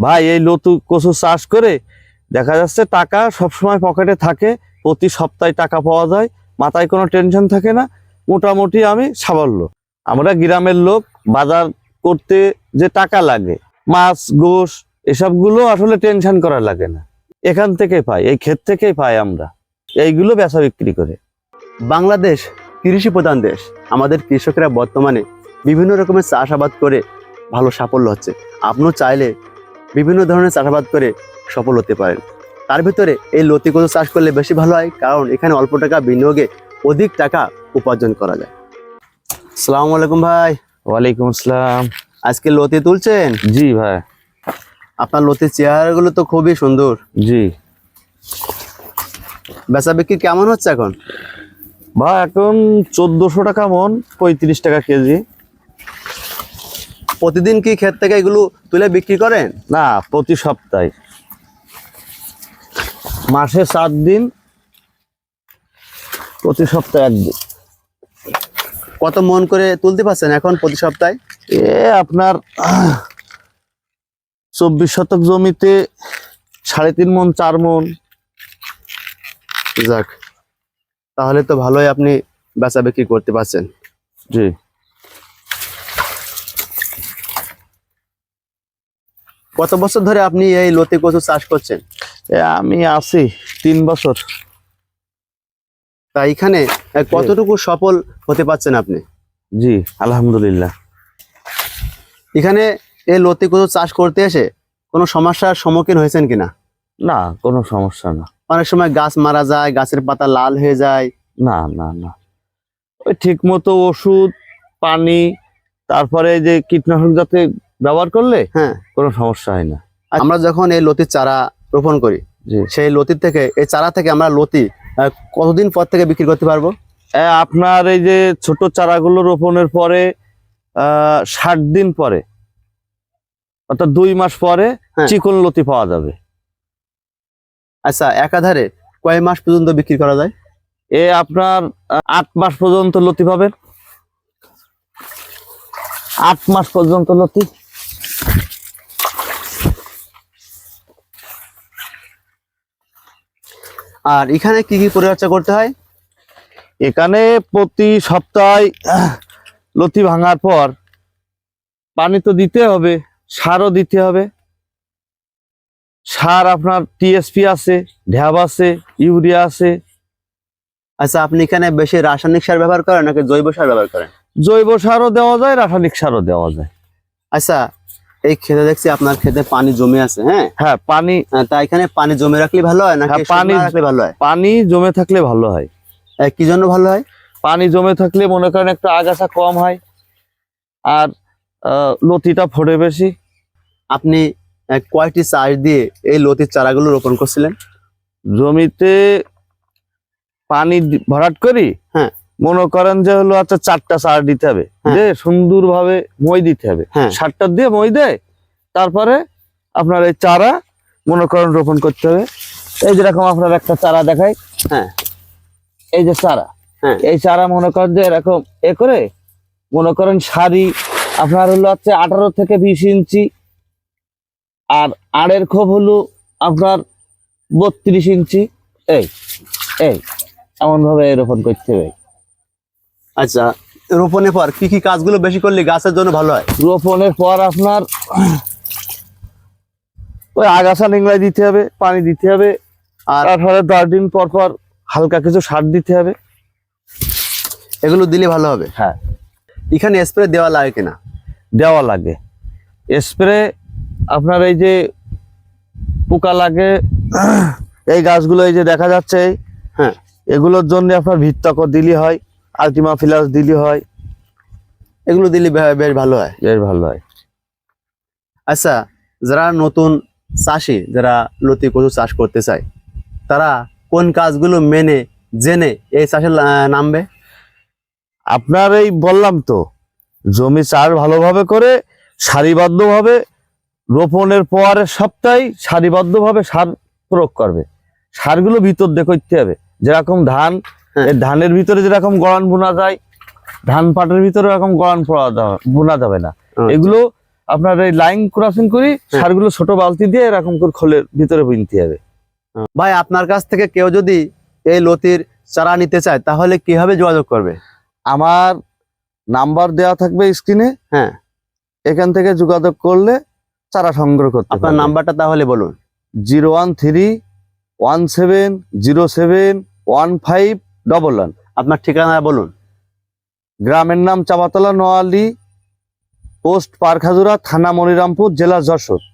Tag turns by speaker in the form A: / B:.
A: ভাই এই লতু কচু চাষ করে দেখা যাচ্ছে টাকা সবসময় পকেটে থাকে, প্রতি সপ্তাহে টাকা পাওয়া যায়, মাথায় কোনো টেনশন থাকে না, মোটামুটি আমি সাবল্য। আমরা গ্রামের লোক, বাজার করতে যে টাকা লাগে, মাছ গোশ এসবগুলো আসলে টেনশন করা লাগে না, এখান থেকে পাই, এই ক্ষেত থেকেই পাই আমরা, এইগুলো বেচা বিক্রি করে।
B: বাংলাদেশ কৃষি প্রধান দেশ। আমাদের কৃষকেরা বর্তমানে বিভিন্ন রকমের চাষাবাদ করে ভালো সাফল্য হচ্ছে। আপনিও চাইলে বিভিন্ন ধরনের চাষাবাদ করে সফল হতে পারেন। তার ভিতরে এই লতি কচু চাষ করলে বেশি ভালো হয়, কারণ এখানে অল্প টাকা বিনিয়োগে অধিক টাকা উপার্জন করা যায়। আসসালামু আলাইকুম ভাই।
A: ওয়ালাইকুম আসসালাম।
B: আজকে লতি তুলছেন?
A: জি ভাই।
B: আপনার লতির চেহারাগুলো তো খুবই সুন্দর।
A: জি।
B: বেচা বিক্রি কেমন হচ্ছে এখন?
A: ভাই এখন 1400 টাকা মন, 35 টাকা কেজি।
B: প্রতিদিন কি ক্ষেত থেকে এগুলো তুলে বিক্রি করেন?
A: না, প্রতি সপ্তাহে, মাসে 7 দিন, প্রতি সপ্তাহে 1 দিন।
B: কত মন করে তুলতে পারছেন এখন প্রতি সপ্তাহে?
A: আপনার 24 শতক জমিতে 3.5 মন 4 মন।
B: যাক, তাহলে তো ভালোই আপনি বেচা বিক্রি করতে পারছেন।
A: জি।
B: কত বছর ধরে আপনি এই লতি কচু চাষ করছেন?
A: আমি আছি 3 বছর।
B: তা এখানে কতটুকু সফল হতে পারছেন আপনি?
A: জি আলহামদুলিল্লাহ।
B: এখানে এই লতি কচু চাষ করতে এসে কোনো সমস্যার সম্মুখীন হয়েছেন কিনা?
A: না, কোনো সমস্যা না।
B: অনেক সময় গাছ মারা যায়, গাছের পাতা লাল হয়ে যায়।
A: না না না, ওই ঠিক মতো ওষুধ পানি তারপরে যে কীটনাশক যাতে ব্যবহার করলে
B: হ্যাঁ,
A: কোনো সমস্যা হয় না।
B: আমরা যখন এই লতির চারা রোপণ করি,
A: জি,
B: সেই লতির থেকে, এই চারা থেকে আমরা লতি কতদিন পর থেকে বিক্রি করতে পারবো?
A: আপনার এই যে ছোট চারাগুলো রোপণের পরে 60 দিন পরে, অর্থাৎ 2 মাস পরে চিকন লতি পাওয়া যাবে।
B: আচ্ছা, একাধারে কয় মাস পর্যন্ত বিক্রি করা যায়?
A: আপনার 8 মাস পর্যন্ত লতি পাবেন। 8 মাস পর্যন্ত লতি।
B: আর এখানে কি কি পরিচর্যা করতে হয়?
A: এখানে প্রতি সপ্তাহে লতি ভাঙার পর পানি তো দিতে হবে, সারও দিতে হবে। সার আপনার টিএসপি আছে, ঢ্যাব আছে, ইউরিয়া আছে।
B: আচ্ছা, আপনি এখানে বেশি রাসায়নিক সার ব্যবহার করেন নাকি জৈব সার ব্যবহার করেন?
A: জৈব সারও দেওয়া যায়, রাসায়নিক সারও দেওয়া যায়।
B: আচ্ছা, এই ক্ষেতে দেখছি আপনার ক্ষেতে পানি জমে আছে।
A: হ্যাঁ পানি।
B: তা এখানে পানি জমে রাখলে ভালো হয় নাকি পানি রাখলে ভালো হয়?
A: পানি জমে থাকলে ভালো হয়।
B: কি জন্য ভালো হয়?
A: পানি জমে থাকলে মনে করেন একটু আগাছা কম হয়, আর লতিটা ফোটে বেশি।
B: আপনি কয়টি চাষ দিয়ে এই লতির চারাগুলো রোপণ করছিলেন?
A: জমিতে পানি ভরাট করি,
B: হ্যাঁ,
A: মনে করেন যে হলো আচ্ছা 4টা সার দিতে হবে, সুন্দর ভাবে মই দিতে হবে, 7টা দিয়ে মই দেয়, তারপরে আপনার এই চারা মনে করেন রোপণ করতে হবে। এই যেরকম আপনার একটা চারা দেখাই, এই যে চারা, এই চারা মনে করেন যে এরকম করে মনে করেন সারি আপনার হলো হচ্ছে 18 থেকে 20 ইঞ্চি, আর আড়ের খোপ হলো আপনার 32 ইঞ্চি। এই এই এমন ভাবে রোপণ করতে হবে।
B: আচ্ছা, রোপণের পর কি কি কাজগুলো বেশি করলে গাছের জন্য ভালো হয়?
A: রোপণের পর আপনার ওই আগাছা নিংড়াই দিতে হবে, পানি দিতে হবে, আর তারপরে 10 দিন পর পর হালকা কিছু সার দিতে হবে।
B: এগুলো দিলে ভালো হবে।
A: হ্যাঁ।
B: এখানে স্প্রে দেওয়া লাগে কিনা?
A: দেওয়া লাগে স্প্রে। আপনার এই যে পোকা লাগে এই গাছগুলো, এই যে দেখা যাচ্ছে, এগুলোর জন্য আপনার ভিত্তকর দিলি হয়, আলটিমা ফিলাস দিলি হয়।
B: এগুলো দিলে বেশ ভালো হয়,
A: বেশ ভালো হয়।
B: আচ্ছা, যারা নতুন চাষি, যারা লতি কচু চাষ করতে চায়, তারা কোন কাজগুলো মেনে জেনে এই চাষে নামবে?
A: আপনার এই বললাম তো, জমি চাষ ভালোভাবে করে সারিবদ্ধভাবে রোপণের পরের সপ্তাহে সারিবদ্ধভাবে সার প্রয়োগ করবে। সারগুলো ভিতর দিয়ে করতে হবে, যেরকম ধান, এই ধানের ভিতরে যেরকম গড়ান বোনা যায়, ধান পাটের ভিতরে এরকম গড়ান বোনা যাবে না। এগুলো আপনার এই লাইন ক্রসিং করি, সারগুলো ছোট বালতি দিয়ে এরকম করে খোলের ভিতরে বুনতে হবে।
B: ভাই আপনার কাছ থেকে কেউ যদি এই লতির চারা নিতে চায় তাহলে কিভাবে যোগাযোগ করবে?
A: আমার নাম্বার দেওয়া থাকবে স্ক্রিনে,
B: হ্যাঁ,
A: এখান থেকে যোগাযোগ করলে চারা সংগ্রহ করতে
B: আপনার নাম্বারটা তাহলে বলুন।
A: 01317071511।
B: আপনার ঠিকানা বলুন।
A: গ্রামের নাম চাপাতলা, নোয়ালী, পোস্ট পারখাজুরা, থানা মনিরামপুর, জেলা যশোর।